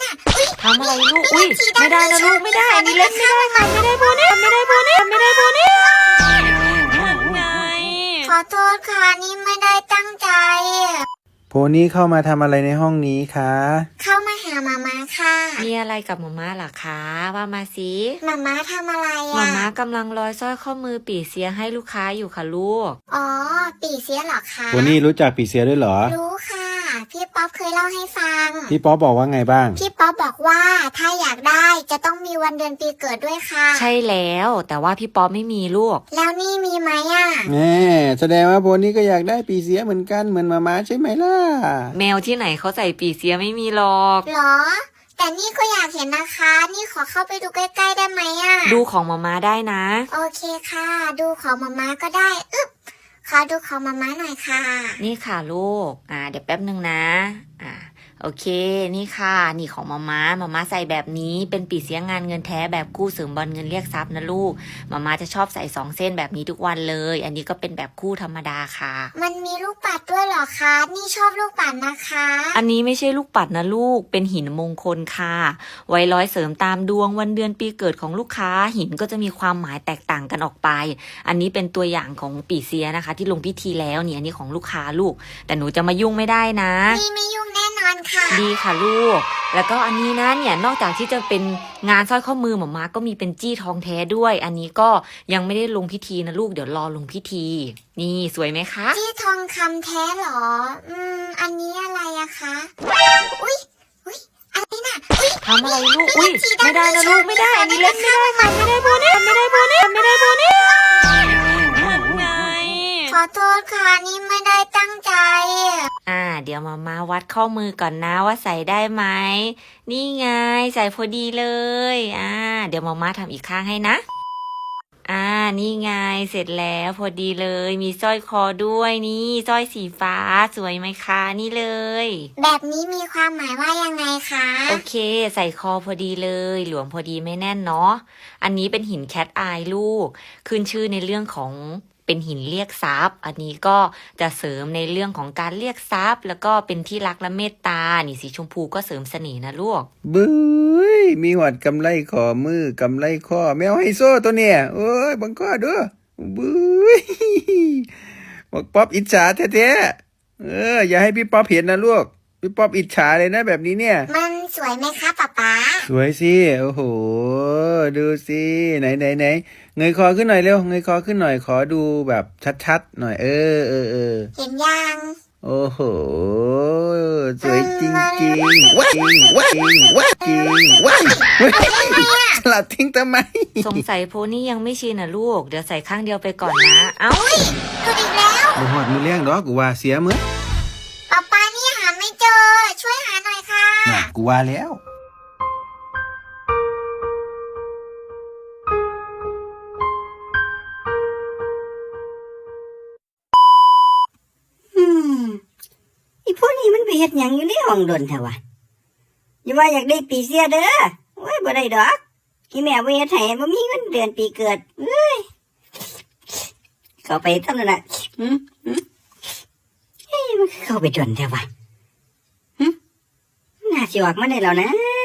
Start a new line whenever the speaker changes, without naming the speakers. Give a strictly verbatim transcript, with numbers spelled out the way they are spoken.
น่ะอุ้ย
ทำอะไรลูกอุ้ยไม่ได้นะลูกไม่ได้อันนี้เล่นไม่ได้ค่ะไม่ได้โบนี่ไม่ได้โบนี่ไม่ได้โบนี่ไง
ขอโทษค่ะนี่ไม่ได้ตั้งใจ
โพนี่เข้ามาทำอะไรในห้องนี้คะ
เข้ามาหามาม่าค่ะ
มีอะไรกับมาม่าล่ะคะว่ามาสิ
มาม่าทำอะไรอะ
มาม่ากำลังร้อยสร้อยข้อมือปี่เสียให้ลูกค้าอยู่ค่ะลูก
อ๋อปี่เสียเหรอคะ
โพนี่รู้จักปีเสียด้วยเหรอ
รู้ค่ะพี่ป๊อปเคยเล่าให้ฟัง
พี่ป๊อปบอกว่าไงบ้าง
พี่ป๊อปบอกว่าถ้าอยากได้จะต้องมีวันเดือนปีเกิดด้วยค่ะ
ใช่แล้วแต่ว่าพี่ป๊อปไม่มีลูก
แล้วนี่มีไหมอ่ะ
แม่แสดงว่าโพนี่ก็อยากได้ปีเสียเหมือนกันเหมือนมาม่าใช่ไหมล่ะ
แมวที่ไหนเขาใส่ปี่เสียไม่มีหรอก
หรอแต่นี่ก็อยากเห็นนะคะนี่ขอเข้าไปดูใกล้ๆได้ไหมอ่ะ
ดูของมาม่าได้นะ
โอเคค่ะดูของมาม่าก็ได้อึ๊บขอดูของมาม่าหน่อยค่ะ
นี่ค่ะลูกอ่าเดี๋ยวแป๊บนึงนะอ่าโอเคนี่ค่ะนี่ของมาม่ามาม่าใส่แบบนี้เป็นปีเสียงานเงินแท้แบบกู้เสริมบอลเงินเรียกทรัพย์นะลูกมาม่าจะชอบใส่สองเส้นแบบนี้ทุกวันเลยอันนี้ก็เป็นแบบคู่ธรรมดาค่ะ
มันมีลูกปัดด้วยเหรอคะนี่ชอบลูกปัดนะคะ
อันนี้ไม่ใช่ลูกปัดนะลูกเป็นหินมงคลค่ะไว้ร้อยเสริมตามดวงวันเดือนปีเกิดของลูกค้าหินก็จะมีความหมายแตกต่างกันออกไปอันนี้เป็นตัวอย่างของปีเสียนะคะที่ลงพิธีแล้วเนี่ยอันนี้ของลูกค้าลูกแต่หนูจะมายุ่งไม่ได้นะ
นี่ไม่ยุ่งแน่นอนค่ะ
ดีค่ะลูกแล้วก็อันนี้นะเนี่ยนอกจากที่จะเป็นงานสร้อยข้อมือหมอมาก็มีเป็นจี้ทองแท้ด้วยอันนี้ก็ยังไม่ได้ลงพิธีนะลูกเดี๋ยวรอลงพิธีนี่สวยไหมคะ
จี้ทองคำแท้หรออืมอันนี้อะไรอะคะอุ้ยอุ้ยอะไรน่ะอุ้ย
ทำอะไรลูกอุ้ยไม่ได้นะลูกไม่ได้อันนี้เล่นไม่ได้ค่ะไม่ได้โบนี่ไม่ได้โบนี่ไม่ได้โบนี่ไง
ขอโทษค่ะนี่ไม่ได้ตั้งใจ
อ่าเดี๋ยวมามาวัดข้อมือก่อนนะว่าใส่ได้ไหมนี่ไงใส่พอดีเลยอ่าเดี๋ยวมามาทำอีกข้างให้นะอ่านี่ไงเสร็จแล้วพอดีเลยมีสร้อยคอด้วยนี่สร้อยสีฟ้าสวยไหมคะนี่เลย
แบบนี้มีความหมายว่ายังไงคะ
โอเคใส่คอพอดีเลยหลวมพอดีไม่แน่นเนาะอันนี้เป็นหินแคทอายลูกขึ้นชื่อในเรื่องของเป็นหินเรียกทรัพย์อันนี้ก็จะเสริมในเรื่องของการเรียกทรัพย์แล้วก็เป็นที่รักและเมตตานี่สีชมพูก็เสริมเสน่ห์นะลูก
บึ้ยมีหอดกำไลขอมือกำไลข้อแมวไฮโซตัวเนี่ยโอ้ยบังข้อด้วยบึ้ยบอกป๊อปอิจฉาแท้ๆเอออย่าให้พี่ป๊อปเห็นนะลูกพี่ป๊อปอิจฉาเลยนะแบบนี้เนี่ย
มันสวยไหมคะป๊าป๊า
สวยสิโอ้โหดูสิไหนไหนไหนเงยคอขึ้นหน่อยเร็วเงยคอขึ้นหน่อยขอดูแบบชัดๆหน่อยเออเออเออ
เห็นยัง
โอ้โหสวยจริงจริงว้าจริงว้าจริงว้าจริงว้าสลัดทิ้งทำไม
สงสัยโพนี่ยังไม่ชินนะลูกเดี๋ยวใส่ข้างเดียวไปก่อนนะเอ้า
หลุดอีกแล้ว
บ่หอดมือเลี้ยงดอกกูว่าเสียมื้อ
ป๊าป๊านี่หาไม่เจอช่วยหาหน่อยค่ะ
กูว่าแล้ว
อีพวกนี้มันไปเฮ็ดหยังอยู่ในห้องดนแท้วะอย่าว่าอยากได้ปีเสียเด้อโอ้ยบ่ได้ดอกอีแม่บ่เฮ็ดให้บ่มีเงินเดือนปีเกิดเอ้ยเข้าไปทำนั่นน่ะหึหึเฮ้ยมันเข้าไปดนแท้วะหึน่าสิออกมาได้แล้วนะ